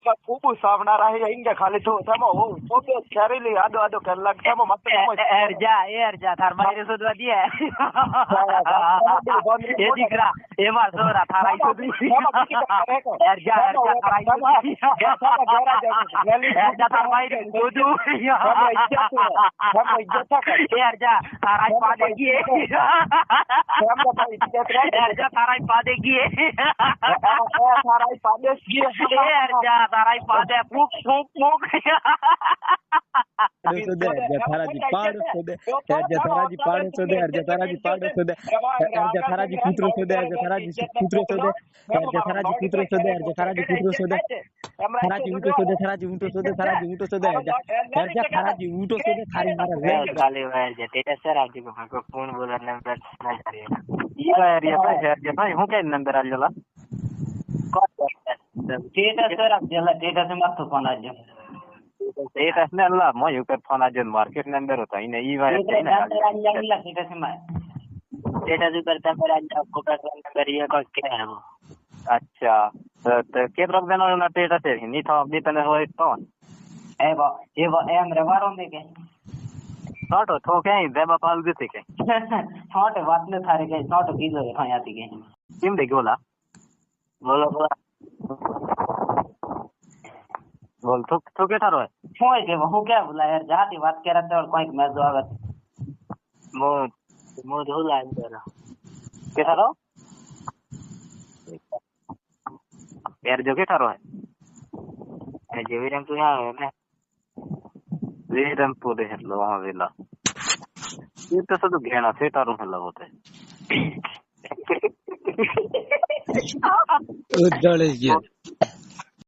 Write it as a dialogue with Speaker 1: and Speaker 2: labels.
Speaker 1: खूब सावना रहे इंगे खाली तो samo हो पोते छरेली आदो आदो कर लग samo मत
Speaker 2: एरजा थार मायरे सोदवा दिए ये दिखरा ये मार सोरा थाराई सोदी एरजा थाराई सोदी एरजा थार मायरे सोदू एरजा थाराई पादेगी एरजा थाराई पादेगी
Speaker 1: थाराई पादेगी
Speaker 2: एरजा थाराई पादे फूक फूक फूक
Speaker 3: सुदे जथाराजी पाड़ सुदे जथाराजी पाड़ सुदे जथाराजी पाड़ सुदे जथाराजी पुत्र सुदे जथाराजी पुत्र सुदे जथाराजी पुत्र सुदे जथाराजी पुत्र सुदे थाराजी उठो सुदे थाराजी उठो सुदे थाराजी उठो सुदे थाराजी उठो सुदे थारी मारा रे
Speaker 2: खाली वायर जे तेटा सर आजी को फोन बोला नंबर ना करिए ये एरिया पे जे भाई हूं के नंबर आ जाला तेटा सर आप जला तेटा से मत फोन आ जा तेटा से अल्लाह मैं यू कर फोन आ जा मार्केट नंबर होता ही नहीं वायर नहीं ना तेटा से मैं तेटा से करता मेरा आपको का नंबर ये का क्या है वो अच्छा तो के प्रॉब्लम देना ना तेटा से नहीं था अभी तने हो तो ए हमरे वारों दे के छोटो तो क्या देबा पाल देते के छोटे बात ने थारे के छोटो की जो है आती के किम देख बोला बोलो बोला बोल तो के थारो है छोय के वो क्या बोला यार जाती बात कर रहा था और कोई मैं जो आगत मो धोला अंदर के थारो यार जो के थारो है जेवीरम तो यहाँ है ना वीरमपुर है लो वहाँ वेला ये तो सब घेना से तारों में लगोते
Speaker 3: उज्जवल